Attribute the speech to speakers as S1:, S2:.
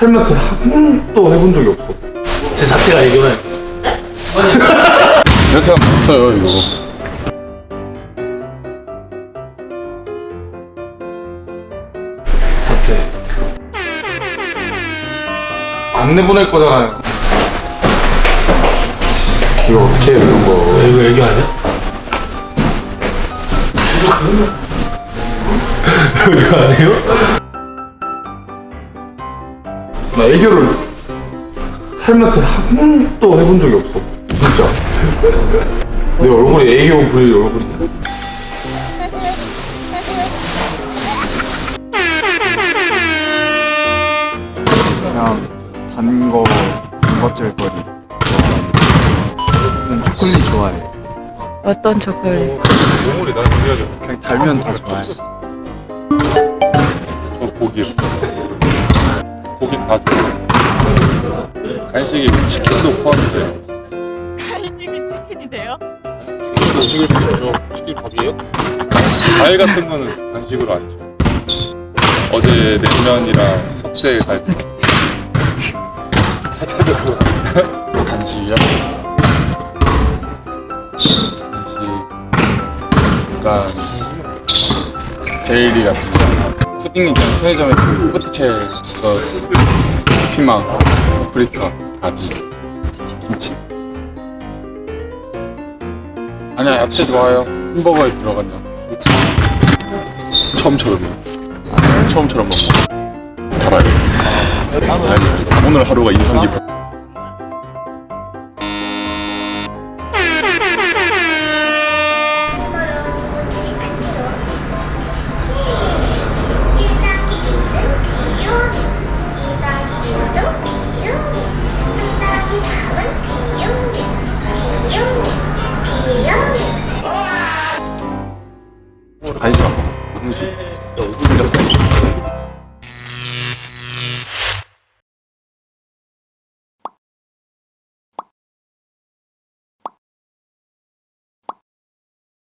S1: 살면서 한 번도 해본 적이 없어.
S2: 제 자체가 애교는
S3: 이렇게 하면 없어요 이거.
S2: 자체.
S1: 안 내보낼 거잖아요. 이거 어떻게 해 이런 거.
S2: 이거 애교 아니야? 이거 아니에요?
S1: 나 애교를 살면서 한 번도 해본 적이 없어. 진짜. 내 얼굴이 애교 부릴 얼굴이야.
S3: 그냥 단것질거리 좋아해. 초콜릿 좋아해.
S4: 어떤 초콜릿?
S1: 얼굴이 나는 그래가지고.
S3: 그냥 달면 다 좋아해.
S5: 저 고기요. 고기 다 좋아요. 간식이 치킨도 포함돼요.
S4: 간식이 치킨이 돼요?
S5: 간식일 수 있죠. 치킨 밥이에요? 과일 같은 거는 간식으로 안 줘. 어제 냉면이랑 석쇠 갈비.
S3: 간식이요? 간식 약간 제일리 같은 거. 푸딩 있잖아. 편의점에 그 포티첼 저 피망, 파프리카, 가지, 김치. 아니야 야채 좋아요. 햄버거에 들어간 야채.
S5: 처음처럼요. 처음처럼 먹어. 달아요. 아니, 오늘 하루가 인상 깊어. 간식 안 먹어. 음식. 삼겹살.